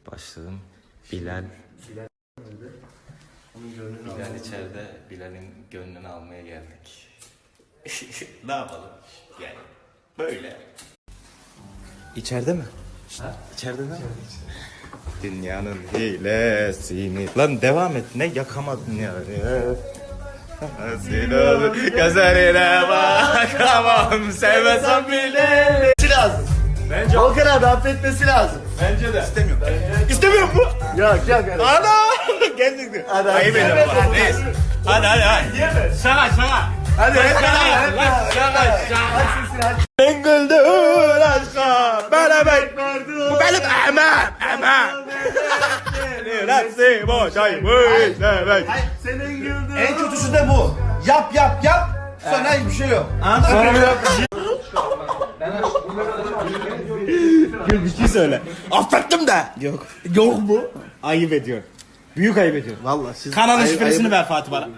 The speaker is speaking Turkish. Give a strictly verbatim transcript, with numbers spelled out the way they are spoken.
Başladım. Bilal. Bilal içeride. Bilal'in gönlünü almaya geldik. Ne yapalım? Yani böyle. İçeride mi? Ha? İçeride mi? Dünyanın hilesini. Lan devam et. Ne yakamadın ya? Gözlerine bakamam. Sevmesem bile. Lazım. Bence Volkan abi affetmesi lazım. Bence de. İstemiyorum. Bence... İstemiyor mu? Yok yok. Ana! Gerçekten. Hadi Ayıp ediyorum. Neyse. Hadi hadi hadi. Yeme. Şaka şaka. Hadi hadi Şaka şaka şaka. Ben güldüm aşka. Bana beklerdi. Bu benim emem. Emem. Nefsi boşaymış demek. Senin güldüğün. En kötüsü de bu. Yap yap yap. Sonra hiçbir şey yok. Sonra bir dakika. Gül bir şey söyle. Affettim de. Yok. Yok mu? Ayıp ediyor. Büyük ayıp ediyor. Vallahi siz. Kanalın Ayıp- şifresini ayıp- ver Fatih bana.